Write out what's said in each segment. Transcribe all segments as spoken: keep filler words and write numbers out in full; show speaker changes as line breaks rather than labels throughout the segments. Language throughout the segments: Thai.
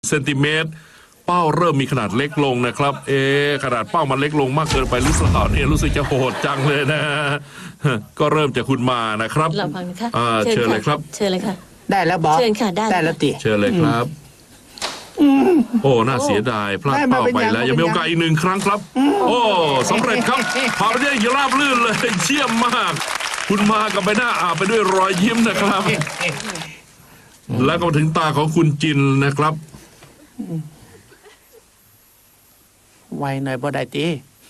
เซนติเมตรเป้าเริ่มมีขนาดเล็กลงนะครับเอ๊ะขนาดเป้ามันเล็กลงมากเกินไปหรือเปล่าเนี่ยรู้สึกจะโหดจังเลยนะก็เริ่มจากคุณมานะครับ
เราฟังนะคะ
อ่าเชิญเลยครับ
เชิญเลยค่ะ
ได้แล้วบอส
เชิญค่ะได้
ได้แล้วติ
เชิญเลยครับโอ้น่าเสียดายพลาดเป้าไปแล้วยังมีโอกาสอีกหนึ่งครั้งครับ โอ้สำเร็จครับผ่านไปได้อย่างราบรื่นเลยเชี่ยมมาก คุณมากับใบหน้าอาบไปด้วยรอยยิ้มนะครับ แล้วก็มาถึงตาของคุณจินนะครับ
ไวหน่อยบ่ได้ติ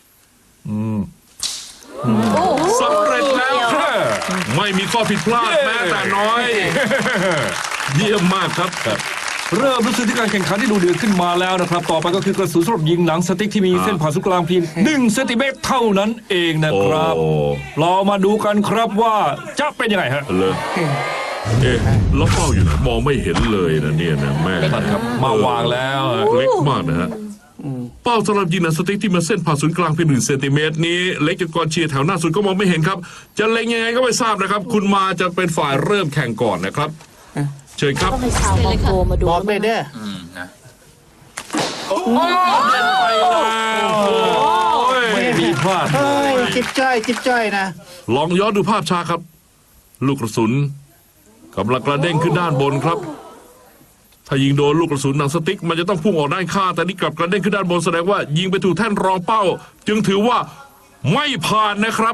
สำเร็จแล้วครับไม่มีข้อผิดพลาดแม้แต่น้อย เยี่ยมมากครับ
เริ่มรู้สึกที่การแข่งขันที่ดูเดือดขึ้นมาแล้วนะครับ ต่อไปก็คือกระสุนสำหรับยิงหนังสติ๊กที่มีเส้นผ่าศูนย์กลางเพียงหนึ่งเซนติเมตรเท่านั้นเองนะครับ
โอ้
เรามาดูกันครับว่าจะเป็นยังไงฮะ
เลยเอ๊ะแล้วเป้าอยู่ไหนมองไม่เห็นเลยนะเนี่ยนะแม่
นั่นครับมาวางแล้วฮะ
เล็กมากนะฮะเป้าสำหรับยิงหนังสติ๊กที่มาเส้นผ่าศูนย์กลางเพียงหนึ่งเซนติเมตรนี้เล็กจนกองเชียร์แถวหน้าสุดก็มองไม่เห็นครับ จะเล็งยังไงก็ไม่ทราบนะครับ คุณมาจะเป็นฝ่ายเริ่มแข่งก่อนนะครับ เชิญครับ
ต้องให้ชาวมองโกมาดู
บอสไปเด้อ
ไม่มีพลาด
เฮ้ยจิ๊บจ้อยจิ๊บจ้อยนะ
ลองย้อนดูภาพช้าครับ ลูกกระสุนกำลังกระเด้งขึ้นด้านบนครับ ถ้ายิงโดนลูกกระสุนหนังสติ๊กมันจะต้องพุ่งออกด้านข้างแต่นี่กลับกระเด้งขึ้นด้านบนแสดงว่ายิงไปถูกแท่นรองเป้า จึงถือว่าไม่ผ่านนะครับ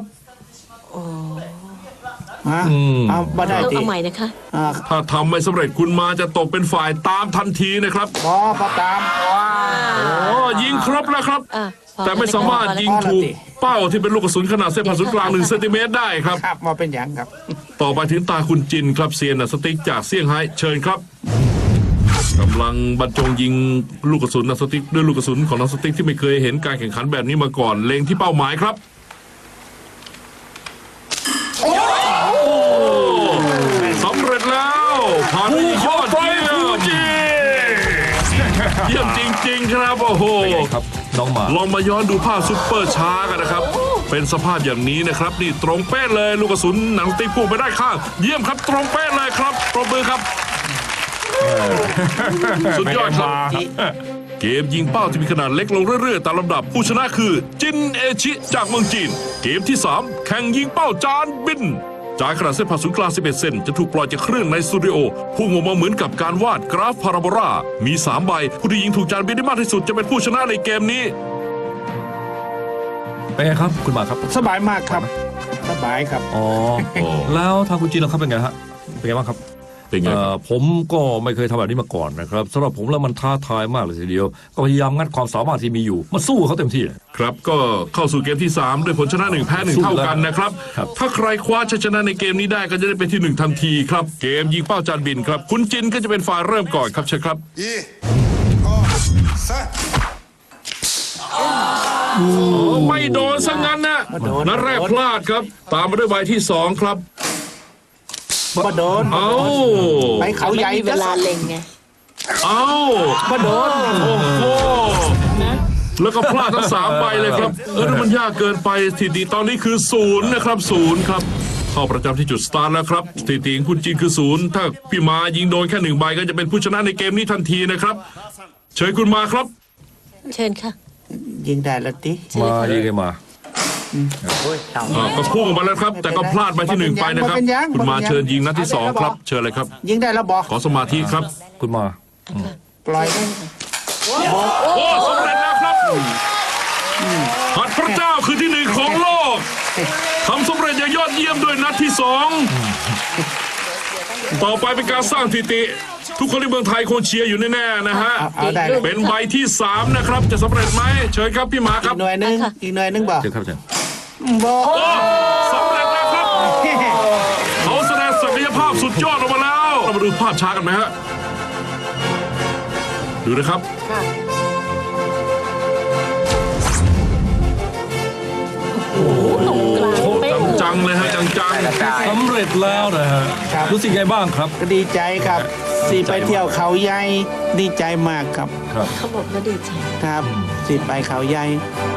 ฮะเอาบ่ได้
เอา
ติ
เอาใหม่นะคะ
อ่า
ถ้าทำไม่สำเร็จคุณมาจะตกเป็นฝ่ายตามทันทีนะครับ
บอสบ่ตาม
โอ้ยิงครบแล้วครับ
อ่ะพอ
แต่ไม่สามารถยิงถูกเป้าที่เป็นลูกกระสุนขนาดเส้นผ่าศูนย์กลางหนึ่งเซนติเมตรได้ครับ
ครับมาเป็นอย่างครับ
ต่อไปถึงตาคุณจินครับเซียนหนังสติ๊กจากเซี่ยงไฮ้เชิญครับกำลังบรรจงยิงลูกกระสุนหนังสติ๊กด้วยลูกกระสุนของหนังสติ๊กที่ไม่เคยเห็นการแข่งขันแบบนี้มาก่อนเล็งที่เป้าหมายครับสำเร็จแล้วผ่านไปยอดเยี่ยมเยี่ยมจริงๆครับโอ้โห
ครับน้องหมา
ลองมาย้อนดูภาพซุปเปอร์ช้ากันนะครับ เป็นสภาพอย่างนี้นะครับ นี่ตรงเป๊ะเลยลูกกระสุนหนังสติ๊กพุ่งไปได้ข้าง เยี่ยมครับตรงเป๊ะเลยครับปรบมือครับ สุดยอดครับ เกมยิงเป้าที่มีขนาดเล็กลงเรื่อยๆตามลำดับผู้ชนะคือจินเอชิจากเมืองจีน เกมที่สามแข่งยิงเป้าจานบินจานขนาดเส้นผ่าศูนย์กลางสิบเอ็ดเซนจะถูกปล่อยจากเครื่องในสตูดิโอพุ่งออกมาเหมือนกับการวาดกราฟพาราโบลามีสามใบผู้ที่ยิงถูกจานบินได้มากที่สุดจะเป็นผู้ชนะในเกมนี้
เป็นไงครับคุณหมาครับ
สบายมากครับ สบายครับ
อ๋อ แล้วทางคุณจีนล่ะครับเป็นไงฮะเป็นไงบ้างครับ
เป็นไง
เอ่
ค
อ
รับ
ผมก็ไม่เคยทำแบบนี้มาก่อนนะครับสำหรับผมแล้วมันท้าทายมากเลยทีเดียว ก็พยายามงัดความสามารถที่มีอยู่มาสู้เขาเต็มที่
ครับก็เข้าสู่เกมที่สามด้วยผลชนะหนึ่งแพ้หนึ่ง
สู้
เท่า
แล้ว
กันนะครับ
ครับ
ถ้าใครคว้าชัยชนะในเกมนี้ได้ก็จะได้เป็นที่หนึ่งทันทีครับเกมยิงเป้าจานบินครับคุณจินก็จะเป็นฝ่ายเริ่มก่อนครับเชิญครับ
一、二、三。
ไม่โดนซะงั้นนะ
ไม่โดน
นัดแรกพลาดครับ ตามมาด้วยใบที่สองครับ
บ่โดน
เอา
ไปเขาใหญ่
ไม่มีเวลาเล็งไง
เอา
บ่โดน
โอ้โหแล้วก็พลาดทั้งสามใบเลยครับเออแล้วมันยากเกินไปสถิติตอนนี้คือศูนย์นะครับศูนย์ครับเข้าประจำที่จุดสตาร์ทแล้วครับสถิติของคุณจีนคือศูนย์ถ้าพี่มายิงโดนแค่หนึ่งใบก็จะเป็นผู้ชนะในเกมนี้ทันทีนะครับ เชิญคุณมาครับ
เชิญค่ะ
ยิงได้แล้วติ
มายิงกันมา
อ่าก็พุ่งออกมาแล้วครับ แต่ก็พลาดใบที่หนึ่งไปนะครับ คุณมาเชิญยิงนัดที่สองครับ เชิญเลยครับ
ยิงได้แล้วบอส
ขอสมาธิครับ
คุณมา
ปล่อยได้
โอ้สำเร็จแล้วครับหัดพระเจ้าคือที่หนึ่งของโลกทำสำเร็จอย่างยอดเยี่ยมด้วยนัดที่สองต่อไปเป็นการสร้างสถิติ ทุกคนในเมืองไทยคงเชียร์อยู่แน่ๆนะฮะ
เอาเอาได้เลย
เป็นใบที่สามนะครับ จะสำเร็จไหมเชิญครับพี่หมาค
อี
รับ
กหน่วยหนึงอีกหน่วยหนึงบ่
เชิญครับเชิญ
บ่
โอ้สำเร็จแล้วครับเขาแสดงศักยภาพสุดยอดออกมาแล้วเรามาดูภาพช้ากันไหมฮะดูนะครับ
ตรงกลางเป๊ะเลย
จังๆเลยฮะจัง
สำเร็จแล้วนะฮะรู้สึกไงบ้างครับ
ก็ดีใจครับสิไปเที่ยวเขาใหญ่ดีใจมากครับ
ครับ
เขาบอกว่าดีใจ
ครับสิไปเขาใหญ่
ๆ